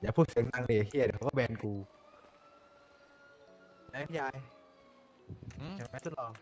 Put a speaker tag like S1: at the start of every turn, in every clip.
S1: อย่าพูดเสียงดังเลยเฮียเดี๋ยวเขาก็แบนกูนะพี่ยายใช่ไหมทดลอง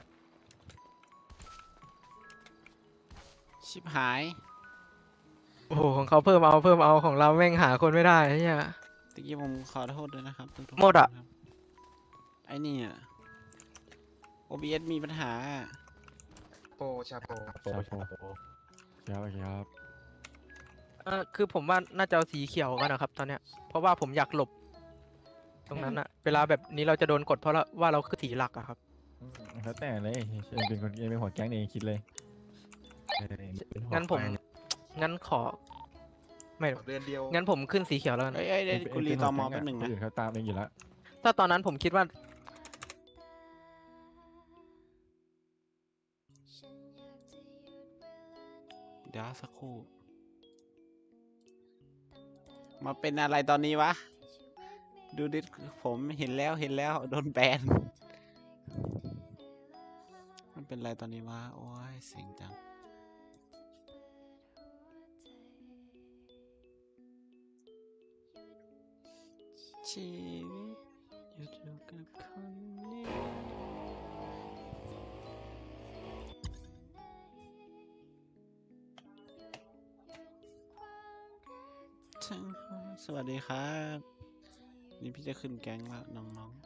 S2: ชิบหาย
S3: โอ้โหของเขาเพิ่มเอาของเราแม่งหาคนไม่ได้ไอ้เหี้ย
S2: ตะกี้ผมขอโทษด้วยนะครับทุกๆ
S3: หมดอะ
S2: คนครับไอ้นี่อะ OBS มีปัญหา
S4: โปชาโป
S1: โอ้โห
S5: ครับ
S3: คือผมว่าน่าจะเอาสีเขียวกันนะครับ ตอนเนี้ยเพราะว่าผมอยากหลบ ตรงนั้นอะเวลาแบบนี้เราจะโดนกดเพราะว่าเราคือสีหลักอะครับ
S5: แล้วแต่เลยเองเป็นคนเองเป็นหัวแก๊งเองคิดเลย
S3: งั้นผมงั้นขอ ไม่
S4: เดือนเดียว
S3: งั้นผมขึ้นสีเขียวแล้วกัน
S2: เอ้ยเดี๋ยวกูรีตอมอแป๊บหนึ่ง
S5: ค
S2: นะ
S5: อื่นเขาตามเองอยู่แล้ว
S3: ถ้าตอนนั้นผมคิดว่า
S2: เดี๋ยวสักครู่ มาเป็นอะไรตอนนี้วะ ดูดิผมเห็นแล้วโดนแบน มันเป็นอะไรตอนนี้วะ โอ้ยเสียงจัง ชีวิตอยู่กับคนนี้สวัสดีครับ นี่พี่จะขึ้นแก๊งแล้วน้อง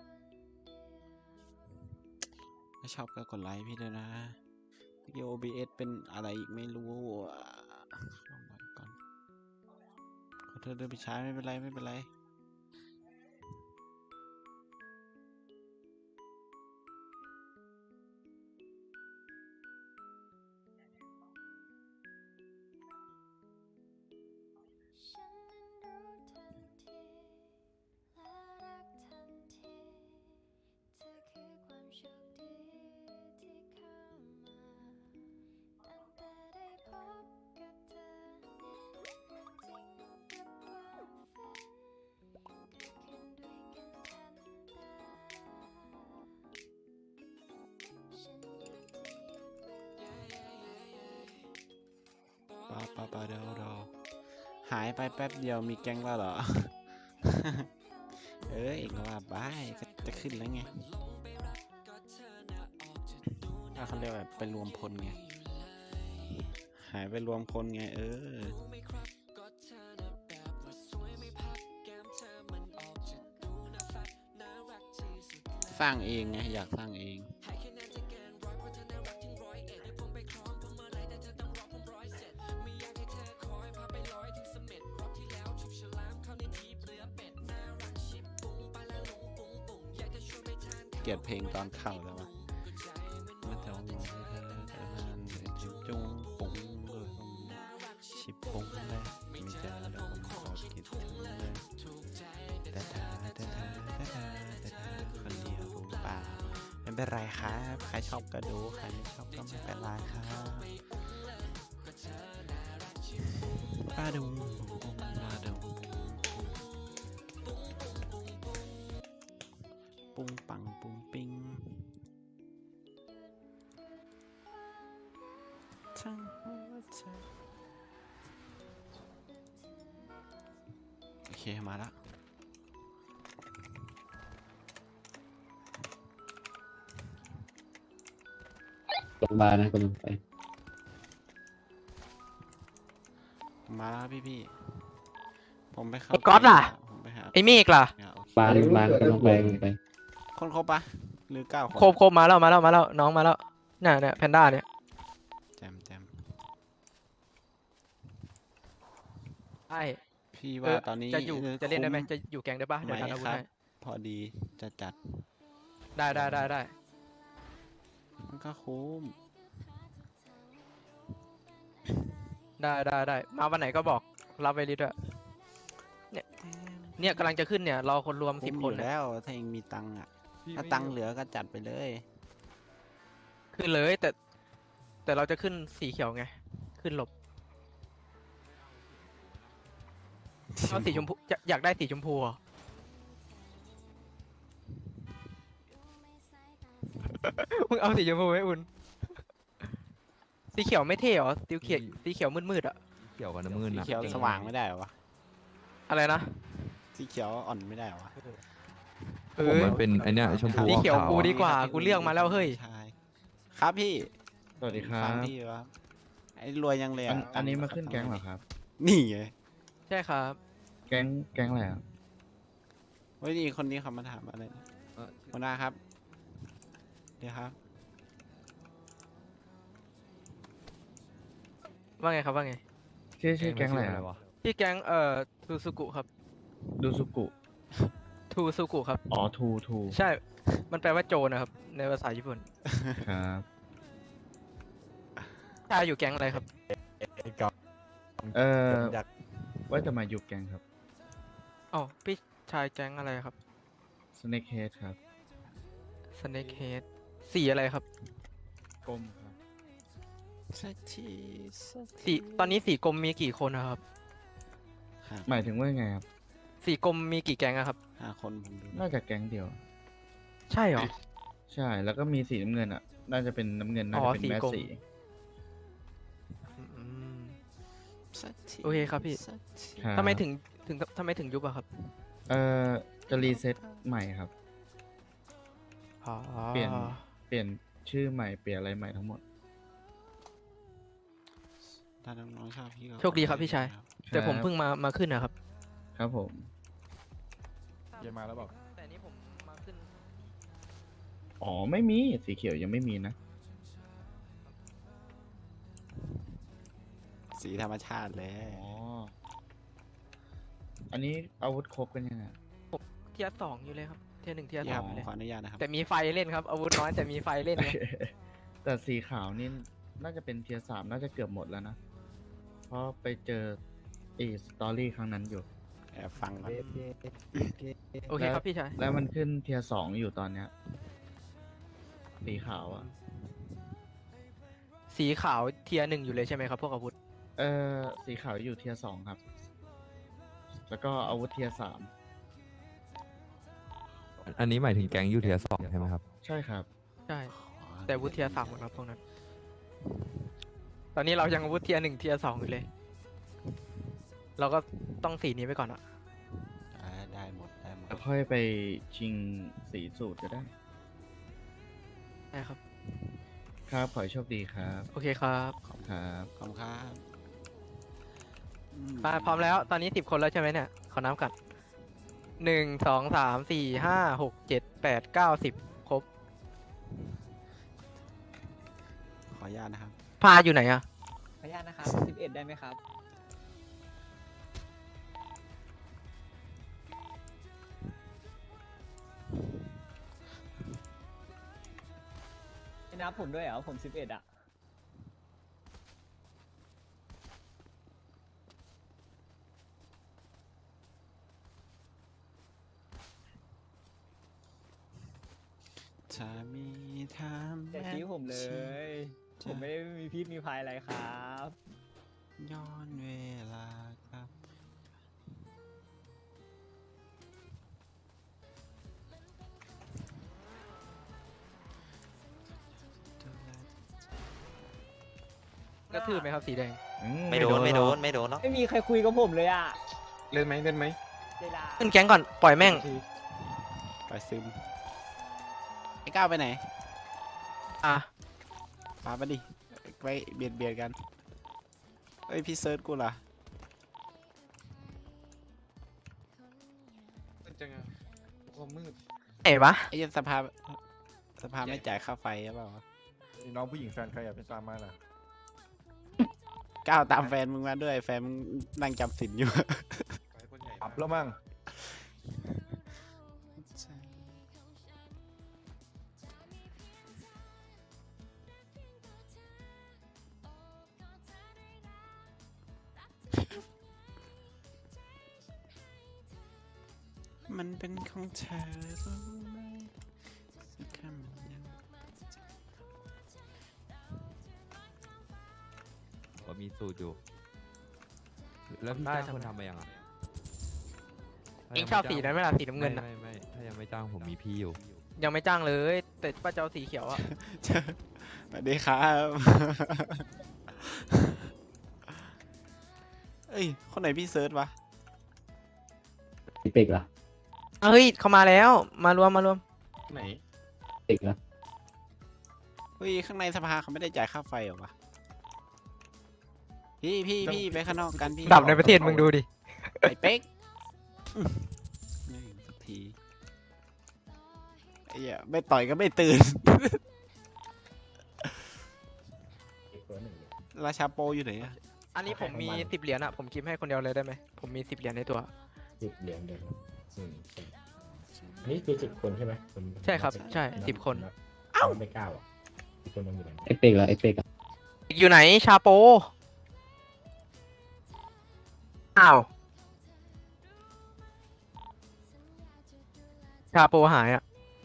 S2: ๆถ้าชอบก็กดไลค์พี่ด้วยนะเมื่อกี้ OBS เป็นอะไรอีกไม่รู้ลองไว้ก่อนขอโทษด้วยพี่ชายไม่เป็นไร ปาเดี๋ยวหายไปแป๊บเดียวมีแก๊งแล้วเหรอ เอ้ยเองก็ว่าบายก็จะขึ้นแล้วไงถ้าเขาเรียกแบบไปรวมพลไง หายไปรวมพลไงสร้างเองไงอยากสร้างเอง เกลียดเพลงตอนเข้าแล้ววะมาเจ้าหนูเธอเธอนั้นจุงปุ้งเลยชิบปุ้งเลยมีเจอแล้วผมขอคิดถึงเลยแต่คนเดียวรู้ป่าไม่เป็นไรครับใครชอบก็ดูใครไม่ชอบก็ไม่เป็นไรครับป้าดูปุ้งปังปุ้งปิ้งทั้งหัวใจโอเคมาแล้ว
S6: โรงพยาบาลนะกำลังไป
S2: มาแล้วพี่ผมไปเข้า
S3: ไอ้ก๊อตล่ะ
S2: ผมไปหา
S3: ไอ้เมฆล่ะ
S2: โอเค
S6: บ้านกำลังไป
S2: คนครบปะหรือ9 คน
S3: โคบมาแล้วน้องมาแล้วเนี่ยแพนด้าเนี่ย
S2: แจม
S3: ใช่
S2: พี่ว่าตอนนี้
S3: จะเล่นได้ไหม
S2: คุ้
S3: จะอยู่แก๊งได้ปะเดี๋ยว
S2: ไหม
S3: ทันอาวุธ
S2: ครับ
S3: ให้
S2: พอดีจะจัด
S3: ได้
S2: มันก็คุ้ม
S3: ได้มาวันไหนก็บอกรับไวลิสด้วยเนี่ยกำลังจะขึ้นเนี่ยรอคนรวม
S2: คุ้ม
S3: 10
S2: อ
S3: คน
S2: ยู่
S3: เนี่ย
S2: แล้วถ้าเองมีตังค์อ่ะถ้าตังค์เหลือก็จัดไปเลย
S3: ขึ้นเลยแต่เราจะขึ้นสีเขียวไงขึ้นหลบเอาสีชมพูอยากได้สีชมพูเหรอ มึงเอาสีชมพูไหมอุ่นสีเขียวไม่เท่เหรอสีเขียวมืดๆอ่ะ
S1: เกี่ยวกับน้ำมือ
S2: สี
S1: นะ
S2: เขียวสว่างไม่ได้เหรอวะ
S3: อะไรนะ
S2: สีเขียวอ่อนไม่ได้เหรอวะ
S3: เอ
S7: ผม
S3: อ
S7: มันเป็นไอเนี้ยชมพู
S3: สีเขียว
S7: ขาว
S3: กู
S7: ๆอะ
S3: ดีกว่ากูเลือกมาแล้วเฮ้ย
S2: ใช่ครับพี่
S5: สวัสดีครั
S2: ฟัง
S5: บ
S2: พี่วะไอ้รวยยังเลย
S5: อันนี้มาขึ้นแก๊งเหรอครับ
S2: นี่ไง
S3: ใช่ครับ
S5: แก๊งอะไรอ่ะ
S2: เฮ้ยนี่คนนี้เขามาถามอะไรนะหัวหน้าครับเดี๋ยวครับ
S3: ว่าไงครับว่าไง
S5: ชื่อแก๊งอะไรอ่ะ
S7: วะ
S3: พี่แก๊งทูซูกุครับ
S5: ดูสุกุ
S3: ทูซูกุครับ
S5: อ๋อทู
S3: ใช่ มันแปลว่าโจรนะครับ ในภาษาญี่ปุ่น
S5: ครับ
S3: ชายอยู่แก๊งอะไรครับ
S1: ไอ้กอบ อยาก
S5: ว่าจะมายุบแก๊งครับ
S3: อ๋อพี่ชายแก๊งอะไรครับ
S5: Snake Head ครับ
S3: Snake Head สีอะไรครับ
S5: กลมครับ
S2: สักทีสัก
S3: สีตอนนี้สีกรมมีกี่คนนะครับ
S5: หมายถึงว่าไงครับ
S3: สีกรมมีกี่แก๊งอะครับ
S2: ห้าคนผมดู
S5: น่าจะแก๊งเดียว
S3: ใช่เหรอ
S5: ใช่ แล้วก็มีสีน้ำเงินอ่ะ น่าจะเป็นน้ำเงิน น่า
S3: อ๋อ
S5: จะเป็นแม่
S3: สีกรม
S5: สี
S3: อืม
S2: สักที
S3: โอเคครับพี่
S2: สักที
S5: ครับ
S3: ทำไมถึงยุบอะครับ
S5: จะรีเซ็ตใหม่ครับ
S3: อ๋อ
S5: เปลี่ยนชื่อใหม่ เปลี่ยนอะไรใหม่ทั้งหมด
S2: ถ้าน้องๆชอบพี่ก็
S3: โชคดีครับพี่ชาย แต่ผมเพิ่งมาขึ้นนะครับ
S5: ครับผม
S7: เยมาแล้วบอก
S3: แต่นี้ผมมาขึ้น
S5: อ๋อ ไม่มี สีเขียวยังไม่มีนะ
S2: สีธรรมชาติเลย
S5: อ๋อ อันนี้อาวุธครบกันยังไง
S3: เทียร์สองอยู่เลยครับ เทียร์หนึ่งเทียร์
S2: พี่
S3: ส
S2: ค
S3: อ
S2: รับ
S3: งอยู่เลย
S2: ขออนุญาตนะครับ
S3: แต่มีไฟเล่นครับ อาวุธน้อยแต่มีไฟเล่นไง
S5: แต่สีขาวนี่น่าจะเป็นเทียร์3น่าจะเกือบหมดแล้วนะ เพราะไปเจอสตอรี่ครั้งนั้นอยู่
S2: แอบฟังก่อน
S3: โอเคครับพี่ชาย
S5: แล้วมันขึ้นเทียร์2อยู่ตอนเนี้ย สีขาวอ่ะ
S3: สีขาวเทียร์หนึ่งอยู่เลยใช่ไหมครับพวกอาวุธ
S5: สีขาวอยู่เทียร์2ครับ แล้วก็อาวุธเทียร์3
S7: อันนี้หมายถึงแก๊งยูเทียสองใช่ไหมครับ
S5: ใช่ครับ
S3: ใช่ แต่อาวุธเทียร์สามหมดครับพวกนั้น ตอนนี้เรายังอาวุธเทียร์หนึ่งเทียร์สองอยู่เลย เราก็ต้องสีนี้ไปก่อนอะ
S2: ได้หมดได้หมด
S5: แล้วค่อยไปชิงสีสูตรก็ได้
S3: ได้ครับ
S5: ครับ ขอให้โชคดีครับ
S3: โอเคครับ
S5: ครับ
S2: ขอบคุณครับ
S3: มาพร้อมแล้ว ตอนนี้10 คนแล้วใช่ไหมเนี่ย ขอน้ำกัน1 2 3 4 5 6 7 8 9 10 ครบ
S2: ขออนุญาตนะครับ
S3: พาอยู่ไหนอะ
S8: ขออนุญาตนะครับ 11 ได้ไหมครับ ไม่นับผมด้วยเหรอ ผม 11 อ่ะ
S2: จะมีทาง
S8: อย่าชี้ผมเลย ผมไม่ได้มีพิษมีภัยอะไรครับ
S2: ย้อนเวลาครับ
S3: กระทืบไหมครับสีแดง
S9: ไม่โดน
S5: หรอก
S9: ไม่โดนหรอก
S8: ไม่มีใครคุยกับผมเลยอ่ะ
S4: เล่นไหมเล่นไหม
S8: เวลา
S3: ขึ้นแก๊งก่อน ปล่อยแม่ง
S2: ไปซึมไอ้ก้าวไปไหน
S3: อ่ะ
S2: พาไปดิ ไปเบียดกัน เอ้ย พี่เซิร์ชกูล่ะ
S4: จังอะความมืด
S3: ไหนวะ
S2: ไอ้ยันสภาไม่จ่ายค่าไฟหรือเปล่าวะ
S5: น้องผู้หญิงแฟนใครอยากเป็นตามมาล่ะ
S2: ก้าวตามแฟนมึงมาด้วย แฟนมึงนั่งจำสินอยู่
S5: อับแล้วมั้ง
S2: มันเป็นของเธอรู้ไหมสักคำยัง
S7: ก็มีสูตรอยู่ แล้วพี่
S3: ได้
S7: จ้าง
S3: ทำไม
S7: คนทำมายังอ่ะ
S3: เองชอบสีนั้นไหมล่ะสีน้ำเงินอะ
S7: ไม่ถ้ายังไม่จ้างผมมีพี่อยู่
S3: ยังไม่จ้างเลย แต่ป้าเจ้าสีเขียวอะ
S2: สวัสดีครับ เอ้ย คนไหนพี่เซิร์ชวะ
S6: ไอเป็กเหรอ
S3: เฮ้ยเขามาแล้วมารวม
S4: ไหน
S6: เป็กเหรอ
S2: เฮ้ยข้างในสภาเขาไม่ได้จ่ายค่าไฟเหรอวะพี่ไปข้างนอกกันพี่
S3: ดับในประเทศมึงดูดิ
S2: ไอ้เป๊กไม่สักทีไอ้เหี้ยไม่ต่อยก็ไม่ตื่น ราชาโปอยู่ไหนอะ
S3: อันนี้ผมมี10 เหรียญอะผมกิฟให้คนเดียวเลยได้ไหมผมมี10 เหรียญในตัว
S9: 10 เหรียญเดียวนี่คือ10 คนใช่ไหมณ
S3: ใช่ครับใช่10 คน
S9: เอ้าไม่9อ่ะอีกคนนึงอยู่ไหน
S6: ไอเป็กเหรอไอเป็กอะ
S3: อยู่ไหนชาโปอ้าวชาโปหายอะ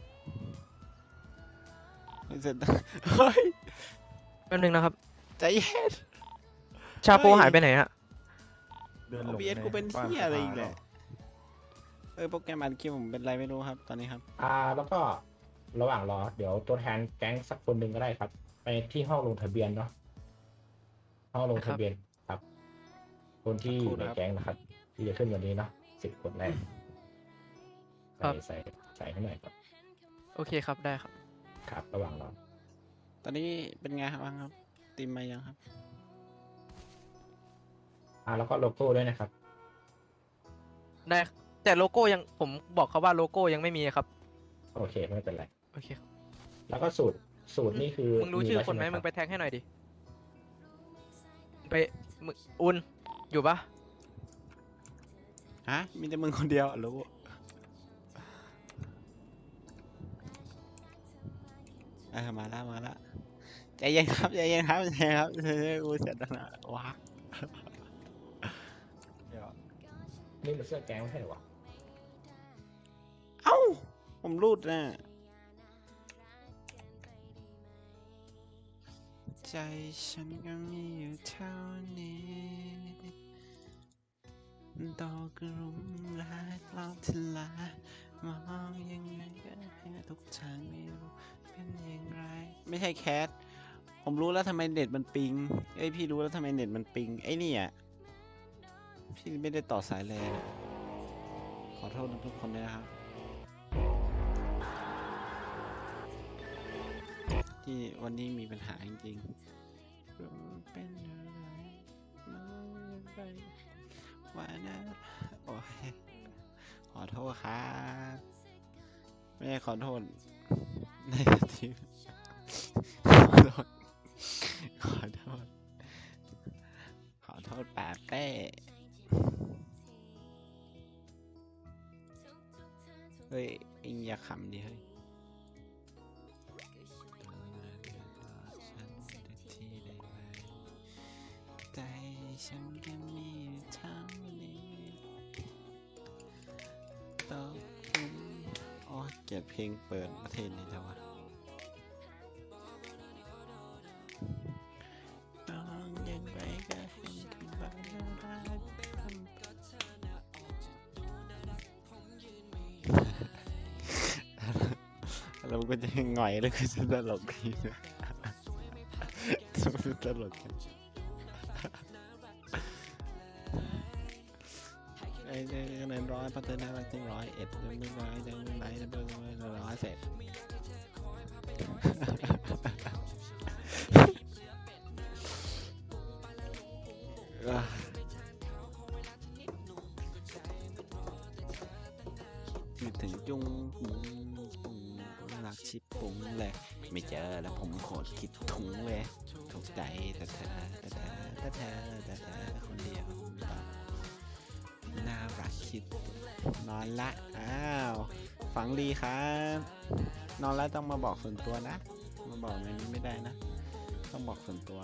S2: ไม่เสร็จเฮ้ย
S3: แป๊บนึงนะครับ
S2: ใจเย็น
S3: ชาโปหายไปไหนอะ
S1: เดินหลง
S2: OBS กูเป็นเหี้ยอะไรอีกแหละโปรแกรมอัดคลิปผมเป็นไรไม่รู้ครับตอนนี้ครับ
S9: แล้วก็ระหว่างรอเดี๋ยวตัวแทนแก๊งสักคนหนึ่งก็ได้ครับ ไปที่ห้องลงทะเบียนเนาะห้องลงทะเบียนครับ คนที่อยู่ในแก๊งนะครับ ที่จะขึ้นวันนี้เนาะ10 คนแรกใส่ให้หน่อยครับ
S3: โอเคครับได้ครับ
S9: ครับ ระหว่างรอ
S2: ตอนนี้เป็นไงครับบ้างครับตีมมายังครับ
S9: แล้วก็โลโก้ด้วยนะครับ
S3: ได้แต่โลโก้ยังผมบอกเขาว่าโลโก้ยังไม่มีครับ
S9: โอเคไม่เป็นไร
S3: โอเค
S9: แล้วก็สูตรนี่คือ
S3: มึงรู้ชื่อคนไหม
S9: แล้ว
S3: มึง
S9: ใช่
S3: ไปแท็กให้หน่อยดิไปมึงอุนอยู่ปะ
S2: ฮะมีแต่มึงคนเดียวรู้มาละใจเย็นครับใจเย็นครับกูเสร็จแล้วนะว้า
S9: นี่มันเสื้อแก๊งไม่ใช่เหรอวะ
S2: เอ้าผมรูดนะใจฉันก็มีอยู่เท่านี้ดอกกระรุมรักเราทลายมองยังไงก็ให้ทุกทางไม่รู้เป็นอย่างไรไม่ใช่แคทผมรู้แล้วทำไมเน็ตมันปิงเอ้ยพี่รู้แล้วทำไมเน็ตมันปิงไอ้นี่อ่ะพี่ไม่ได้ต่อสายแลนขอโทษทุกคนด้วยนะครับที่วันนี้มีปัญหาจริงๆเป็นอะไรมันไปว่านะโอ้ยขอโทษครับไม่ได้ขอโทษในทีขอโทษป่าเป้เฮ้ยเอ็งอย่าขำดิเฮ้ยใจฉันก็มีเท่านี้ต้องโอ้เกลียดเพลงเปิดประเทศนี้แล้ววะน้องยังไปก็เห็นคำว่าน่ารักแล้วมันก็จะหง่อยแล้วก็จะตลกดีนะตลกกันไอ้เงินร้อยพัฒนาไปถึง101จะไม่ร้อยจะไม่ไหนจะไม่ร้อยเสร็จคิดถึงจุงปุงรักชิปปุงเลยไม่เจอแล้วผมโคตรคิดถุงเลยถูกใจแต่เธอคนเดียวน่ารักคิดนอนละอ้าวฝังดีครับนอนแล้วต้องมาบอกส่วนตัวนะมาบอกในนี้ไม่ได้นะต้องบอกส่วนตัว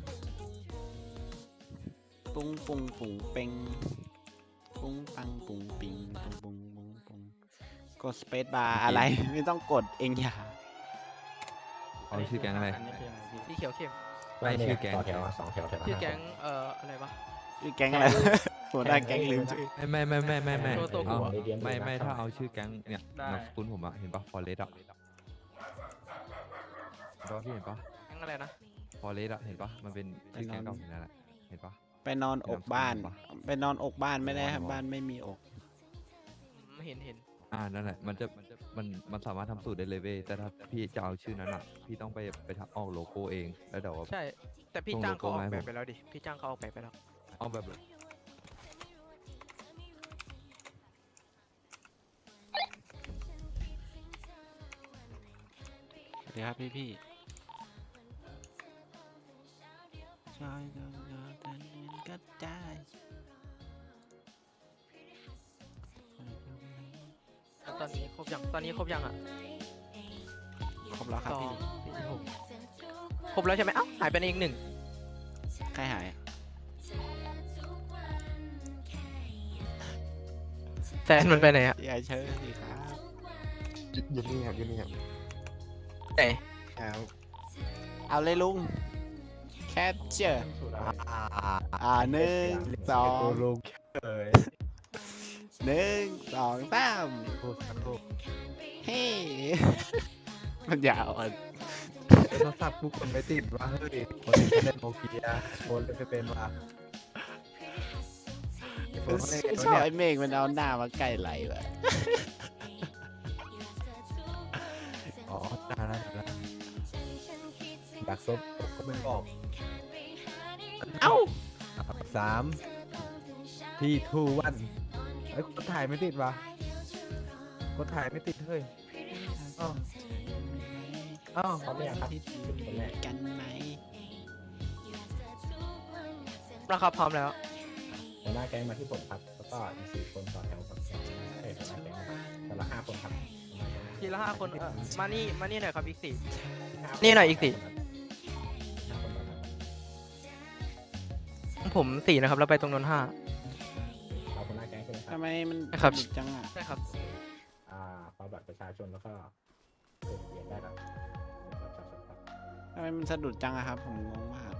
S2: ปุ้งเป่งปุ้งปังปุ้งปิงปุ้งกดสเปซบาร์อะไรไม่ต้องกดเองอย่า
S7: เอาชื่อแก๊งอะไร
S3: สีเขียวเข้ม
S7: ไม่ชื่อแก๊ง
S9: ต่อแถว2 แถว
S3: ชื่อแก๊งอะไรวะ
S2: ชื่อแก๊งอะไรหัวหน้าแก๊งลืมชื่อ
S7: ไม่
S3: ตัว
S7: เอา
S3: หัว
S7: ไม่ถ้าเอาชื่อแก๊งเนี่ยนามสกุลผมอะเห็นปะฟอเรสอะเห็นปะพี่เห็นปะ
S3: แก๊งอะไรนะ
S7: ฟอเรสอะเห็นปะมันเป็นชื่อแก๊งเก่าของนั่นแหละเห็นปะ
S2: ไปนอนอกบ้านไปนอนอกบ้านไม่ได้ครับบ้านไม่มีอก
S3: เห็น
S7: นั่นแหละมันสามารถทำสูตรได้เลยเว้ยแต่ถ้าพี่จะเอาชื่อนั้นอ่ะพี่ต้องไปทำออกโลโก้เองแล้วเดี๋ยว
S3: ใช่ แต่พี่
S7: ส่ง
S3: จ้างเขาอ
S7: โลโก้
S3: อก
S7: มาให้
S3: แบบ
S7: ผม
S3: ไปแล้วดิพี่จ้างเขาออกแบบไปแล้ว
S7: เอาแบบ
S2: สวัสดีครับพี่ชายเดินเดินก็ได้
S3: ตอนนี้ครบยังอ่ะ
S2: ครบแล้วครับ
S3: สอง
S2: พี่
S3: สี่หกครบแล้วใช่ไหมเอ้าหายไปอีกหนึ่ง
S2: ใครหาย
S3: แฟนมันไปไหนอ่ะ
S2: อย่าเชิญสิครับ
S4: อยู่นี่ครับอยู่นี่ครับ
S3: ไหน
S4: ครับ
S2: เอาเลยลุงแคปเจอร์ หนึ่งสอง
S1: ลูกเอ๋ย
S2: หนึ่งสองสาม
S1: พูดกันลูก
S2: เฮ้ มันยาวอ่ะ
S1: โทรศัพท์กูกดไม่ติดวะเฮ้ยคนที่เล่นโนเกียคนเล่นไม่เป็นวะไอ้คนเขาเล่นกัน
S2: ชอบ
S1: เนี่ย
S2: ไอ้เมฆมันเอาหน้ามาใกล้ไหลแบบ
S1: อ๋อได้แล้วอยากซบผมก็ไม่บอก
S2: เอ้า
S1: 3 ที่ 2 1ไอ้คนถ่ายไม่ติดวะคนถ่ายไม่ติดเฮ้ยอ้าวอ้าว
S9: พร้อมหรือยังครับคนแรก
S2: กันไหม
S3: ราคาพร้อมแล้ว
S9: หัวหน้าแก๊งมาที่ผมครับแล้วก็อีก4 คนต่อแถวกับแก๊งหัวหน้าแก๊งแต่ละ5 คนครับ
S3: ทีละ5 คนมานี่หน่อยครับอีก 4
S9: 5
S3: นี่หน่อยอีกสิ
S9: 5 คนต่อแถว
S3: ผม 4 นะครับ แล้วไปตรงนั้น
S9: เราหัวหน้าแก๊งใช่ไหมครับ
S2: ทำไมมัน
S3: ครับ
S2: สนุกจังอ่ะ
S3: 5ใช่ครับ
S9: ขอบัตรประชาชนแล้วก็เปลี่ยนได้ครับบัตรประชาชนครับ
S2: ทำไมมันสะดุดจังอะครับ ผมงงมาก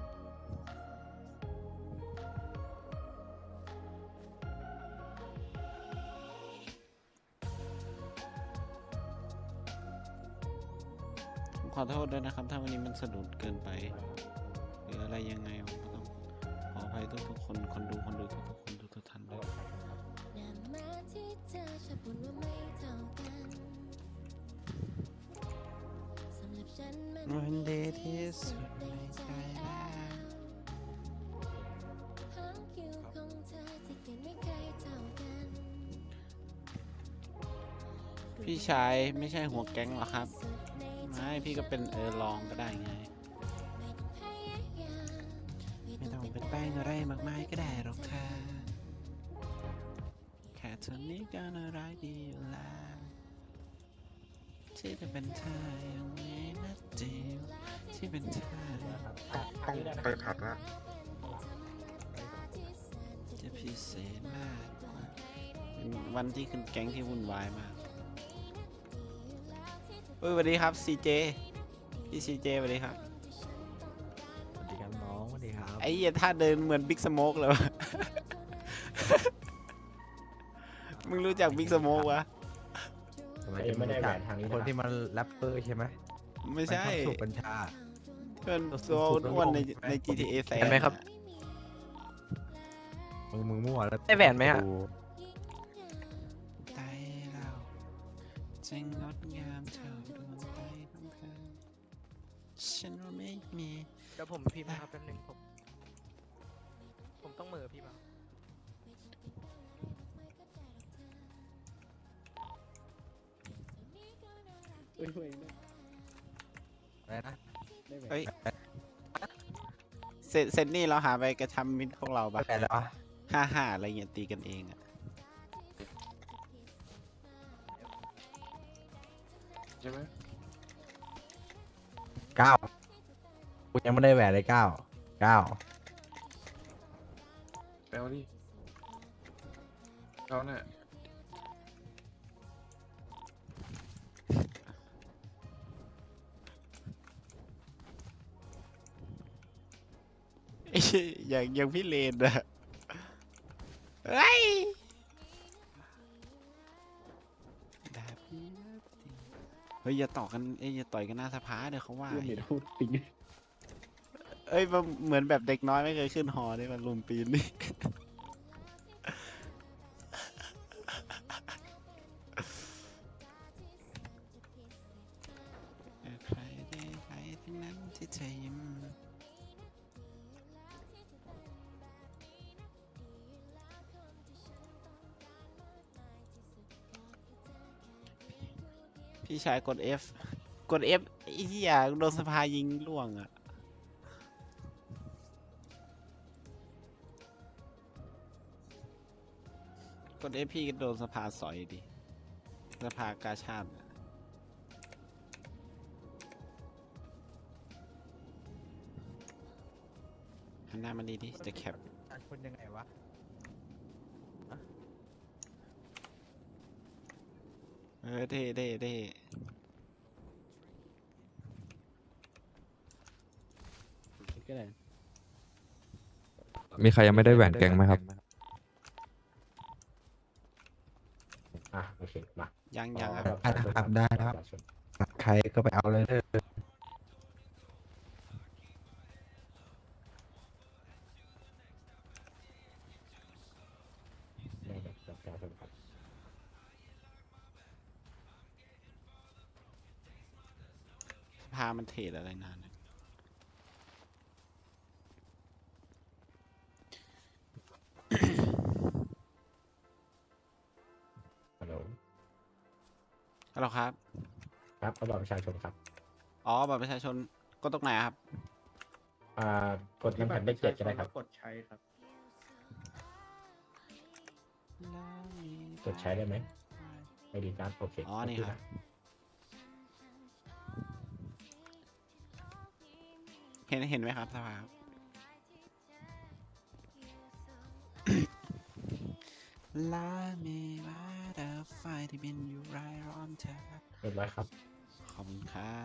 S2: ผมขอโทษด้วยนะครับ ถ้าวันนี้มันสะดุดเกินไป หรืออะไรยังไงผมก็ต้องขออภัยทุกๆคนคนดูทุกๆคนทุกท่านด้วย วันเดย์ที่สุดในใจแล้วพี่ชายไม่ใช่หัวแก๊งหรอครับ ไม่พี่ก็เป็นรองก็ได้ไง ไม่ต้องเป็นแป้งอะไรมากมายก็ได้หรอกค่ะแค่เธอนี้ก็น่ารักดีอยู่แล้วที่จะเป็นเธออย่างนี้นะจิ๋วที่เป็นเธอ
S4: ต้องไปผัดละ
S2: จะพิเศษมากเป็นวันที่ขึ้นแก๊งที่วุ่นวายมากเฮ้ยสวัสดีครับ CJ พี่ CJ สวัสดีครับ
S1: สวัสดีครับน้องสวัสดีครับ
S2: ไอ้เหี้ยท่าเดินเหมือนบิ๊กสโมกเลยวะ มึงรู้จักบิ๊กสโมกวะ
S1: ทำไมจะไม่ได้แบบคนที่มันแรปเปอร์ใช่ไหม
S2: ไม่ใช่
S1: นชอบสูบกัญชา
S2: เพื่อนตัวอ้วนใน GTA แส
S3: เห็นไหมครับ
S1: มึงมั่วแล้ว
S3: ได้แหวนไหมอะ
S2: ใจเราจะงดงามเท่าดวงใจของเธอฉันว่าไม่มี
S3: เดี๋ยวผมพิมพ์นะครับแป๊บนึงผมต้องเหม่อพี่มา
S1: อะไรนะ
S2: เฮ้ยเซนนี่เราหาไปกระทำมิตรพวกเราปะ
S1: แปลแล้ววะ
S2: 5-5อะไรเงี้ยตีกันเองอะ
S4: ใช่ไหม
S1: 9กูยังไม่ได้แหวนเลย9
S4: แปลว่าดิเขาเนี่ย
S2: ไอ้เหี้ยอย่างพี่เลนอะเฮ้ยแบบนี้นะเฮ้ยอย่าต่อกันอย่าต่อยกันหน้าสภาเดี๋ยวเขาว่าอีกเอ้ยมันเหมือนแบบเด็กน้อยไม่เคยขึ้นหอได้มันลุมปีนนี่พี่ชายกด F กด F ไอ้เหี้ยโดนสภายิงล่วงอ่ะ กด F พี่ก็โดนสภาสอยดิ สภากาชาติอะหันหน้ามาดีดิจะแคป
S1: คนยังไงวะ
S2: เท่เท่เท่ ก็ได้
S7: มีใครยังไม่ได้แหวนแกงไหมครับ
S9: โอเคมา
S2: ยังครับ
S1: ได้ครับใครก็ไปเอาเลยเด้อ
S9: ได้แบบประชาชนครับ
S2: สภามันเทรดอะไรนานเนี่ย
S9: ฮัลโหล
S2: ฮัลโหลครับ
S9: ครับเอาบัตรประชาชนครับ
S2: อ๋อบัตรประชาชนก็ตรงไหนอะครับ
S9: กดน้ำแผ่นเลข 7ก็ได้ครับ
S5: กดใช้ครับ
S9: กดใช้ได้ไหมไม่ดีครับโอเค
S2: อ๋อ นี่ครับ เห็นไหมครับสภาครับ ลาเมวาเดอไฟที่บินอยู่ไรร้อนเธอ
S9: เรียบร้อยครับ
S2: ขอบคุณครับ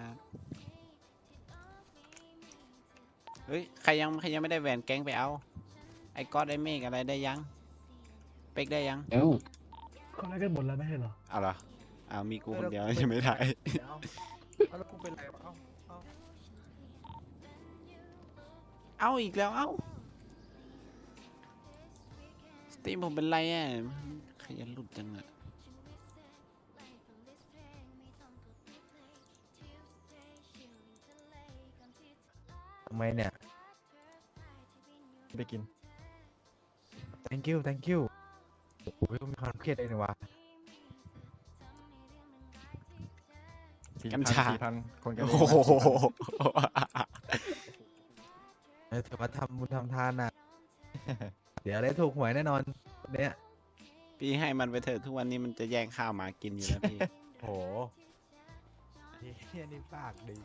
S2: เฮ้ย ใครยังไม่ได้แหวนแก๊งไปเอา ไอ้ก๊อตไอ้เมฆอะไรได้ยัง เป็กได้ยัง
S6: เอ้า
S8: เขาได้กันหมดแล้วไม่ใช่เหรอ
S2: เอาเหรอเอามีกูคนเดียวยังไม่ได้
S1: เอาแล้วกูเป็นไรวะ
S2: เอาอีกแล้ว เอาสตรีมผมเป็นไรอ่ะขยันหลุดจังอ่ะ
S1: ทำไมเนี่ย
S4: ไปกิน
S1: thank you thank you โอ้ยมีความเครียดเลยนะวะ
S2: กัญชา
S4: 4,000 คนกัน
S2: โอ้โห
S1: ถือว่าทำบุญทำทานน่ะ เดี๋ยวได้ถูกหวยแน่นอนเนี่ย
S2: พี่ให้มันไปเถอะทุกวันนี้มันจะแย่งข้าวหมากินอยู่แล้วพี่
S1: โหเฮียนี่ปากดี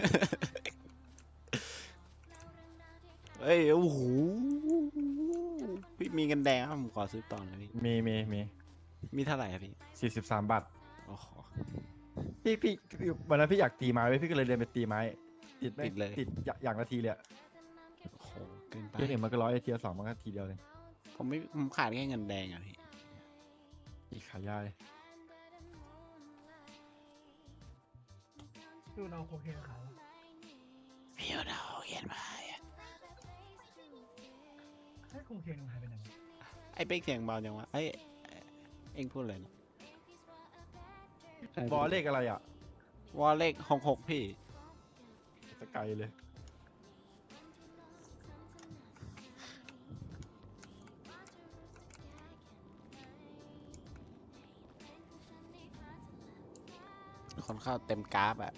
S2: เอ้ย โอ้โห พี่มีเงินแดงครับผมขอซื้อต่อหน่อยพี่
S4: มี
S2: เท่าไหร่ครับพี่
S4: 43 บาท
S2: โอ้โห
S4: พี่วันนั้นพี่อยากตีไม้ไว้พี่ก็เลยเรียนไปตีไม้ ติดไหม
S2: ติดเลย
S4: ติดอย่างละทีเลยอะ
S2: โอ้โห เกินไป
S4: เทียร์1มันก็100เทียร์2มันก็ทีเดียวเลย
S2: ผมขาดแค่เงินแดงอ่ะพี่
S4: อีกขายยาเลย
S8: ดูเราโคเคนขาว
S2: พี่เอาดาวเขียนมาอ่ะ
S8: ให้โคเคนมันหายไปไหนวะ
S2: ไอ้เป๊กเสียงเบาจังวะเอ้ย เอ็งพูดเลยนะ
S4: บอลเลขอะไรอ่ะ
S2: วอลเลข66พี่
S4: สกายเลย
S2: คนเข้าเต็มกราฟอ่ะ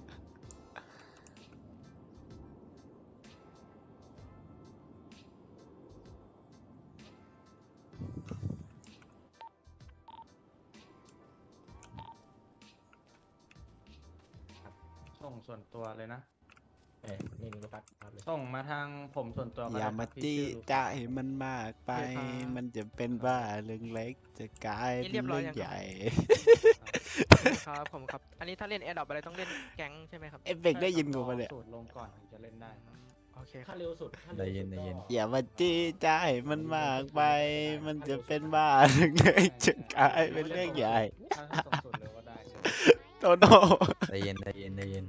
S5: ส่งส่วนตัวเลยนะ
S9: นี่ลูกปัดครับเลย
S5: ส่งมาทางผมส่วนตัวก็
S2: อย่า
S5: ได้
S2: มา
S5: ครับพี่
S2: จี้
S5: ชื่อลูก
S2: จ้าให้มันมากไป
S3: โอเคครับ
S2: มันจะเป็นว่าเรื่องเล็กจะกลาย
S3: นี่เรี
S2: เป็น
S3: ยบร้อย
S2: เรื่อง
S3: ยังครับ
S2: ใหญ่
S3: ครับผมครับ อันนี้ถ้าเล่นแอร์ดรอปอะไรต้องเล่นแก๊งใช่ไหมครับ
S2: เอฟเฟกต์ได้ยินกูปะเนี่ย
S5: สูตรลงก่อนถึงจะเล่นได้ครับ
S3: โอเคค
S9: ถ้า
S3: รับ
S9: เร็วสุดถ้า
S1: ได้
S9: เร็ว
S1: ยิ
S9: สุ
S1: น
S9: ด
S1: ได้ยิน
S9: ก็
S2: อย่ามาจี้จ้าให้มันมากไป มันจะเป็นว่าเรื่องเล็กจะกลายเป็นเรื่องใหญ่
S5: ถ้าส่งสูตรเร็วก็ได้ครับ
S2: โตโน่
S1: ได้ยินได้ยินได้ยิน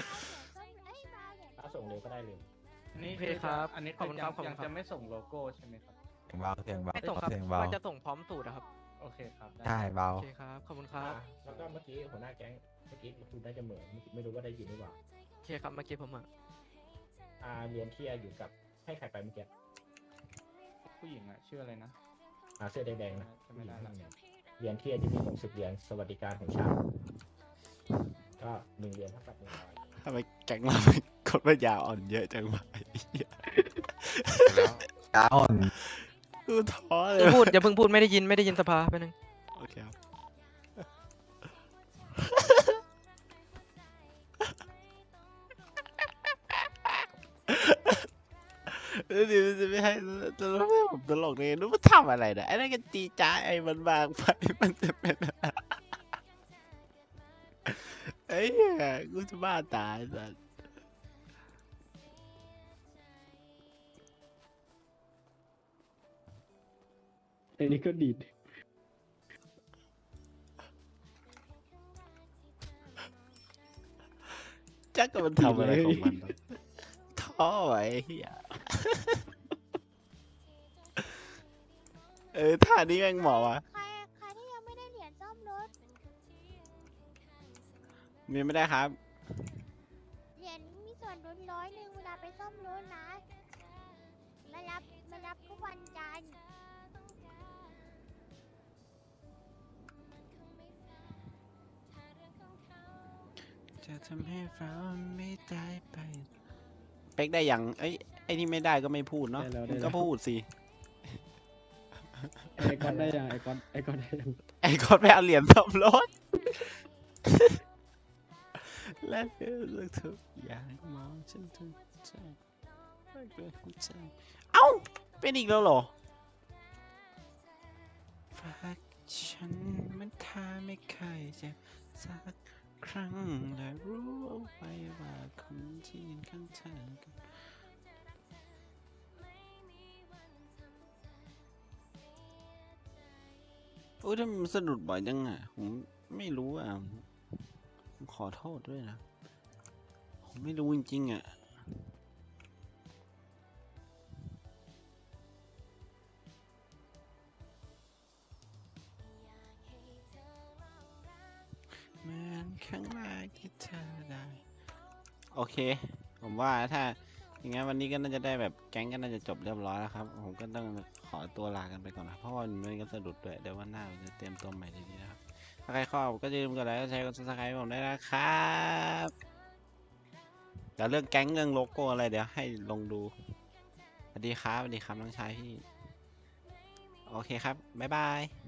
S9: ถ้าส่งเร็วก็ได้เร็ว
S5: นี่
S3: โอเคครับ
S5: อันนี้
S3: ขอบคุณครับขอบคุณ
S5: ยัง
S3: ครับ
S5: จะไม่ส่งโลโก้ใช่ไหมครับ
S1: เสียงเบาเสียงเบา
S3: ไม่ส่งครับ
S1: เสียงเบา
S3: ว่าจะส่งพร้อมสูตรอะครับ
S5: โอเคครับได้
S1: ใช่เบา
S3: โอเคครับ ขอบคุณครับ
S9: แล้วก็เมื่อกี้หัวหน้าแก๊งเมื่อกี้คุณน่าจะเหมือนไม่รู้ว่าได้ยินหรือเปล่า
S3: โอเคครับ เมื่อกี้ผมอ่ะ
S9: เรียนที่อยู่กับให้ใครไปเมื่อกี้
S5: ผู้หญิงอะชื่ออะไรนะ
S9: เสื้อแดงๆนะ
S5: จำไม่ได้ละ
S9: เรียนที่จะมี60 เหรียญสวัสดิการของชาติก็1 เหรียญเท่ากับ100
S2: ทำไมแก๊งเราเป็นคนปัญญาอ่อนเยอะจังวะไอ้เหี้ย
S6: ตาอ่อน
S2: กูท้อเลย
S3: อย่าพูดอย่าเพิ่งพูดไม่ได้ยินสภาไปบนึง
S2: โอเคครับแล้วเดี๋ยวจะไม่ให้จะไม่ให้ผมตลกเลยนึกว่าทำอะไรเนี่ยไอ้นั่นก็จีจ้าไอ้มันบางไปมันจะเป็นไอ้เหี้ยกูจะบ้าตายสัส
S6: ไอ้นี่ก็ดีด
S2: จักก็มันทำอะไรของมันวะท้อไว้เหี้ยท่านี้แม่งเหมาะวะ
S10: ใครที่ยังไม่ได้เหรียญซ่อมรถ
S2: มีไม่ได้ครับ
S10: เหรียญมีส่วนลด100เวลาไปซ่อมรถนะมารับทุกวันจันทร์
S2: จะทำให้เราไม่ได้ไป เป๊กได้ยังไอ้นี่ไม่ได้ก็ไม่พูดเนาะ
S6: ได้แล้ว
S2: มึง
S6: ได้
S2: ก็
S6: แล้ว
S2: พูดสิ
S6: ไอ้ก้อนได้ยังไอ้ก้อนได้ยัง
S2: ไอ้คนไปเอาเหรียญซ่อมรถ และเลือกทุกอย่างมองฉันทุกใจไม่เกินหัวใจเอ้า เป็นอีกแล้วเหรอฝากฉันมันท่าไม่เคยเจ็บสักครั้งและรู้เอาไว้ว่าคนที่ยืนข้างเธอกันโอ้ยทำไมมันสะดุดบ่อยจังอ่ะ ผมไม่รู้อ่ะผมขอโทษด้วยนะ ผมไม่รู้จริงๆอ่ะ เหมือนครั้งแรกที่เธอได้ โอเค ผมว่าถ้าอย่างงั้นวันนี้ก็น่าจะได้แบบแก๊งก็น่าจะจบเรียบร้อยแล้วครับ ผมก็ต้องขอตัวลากันไปก่อนนะเพราะว่ามันก็สะดุดด้วยเดี๋ยววันหน้าผมจะเตรียมตัวใหม่ดีๆนะครับ ถ้าใครชอบก็อย่าลืมกดไลค์กดแชร์กด subscribe ผมได้นะครับเดี๋ยวเรื่องแก๊งเรื่องโลโก้อะไรเดี๋ยวให้ลงดูสวัสดีครับน้องชายพี่ โอเคครับ บ๊ายบาย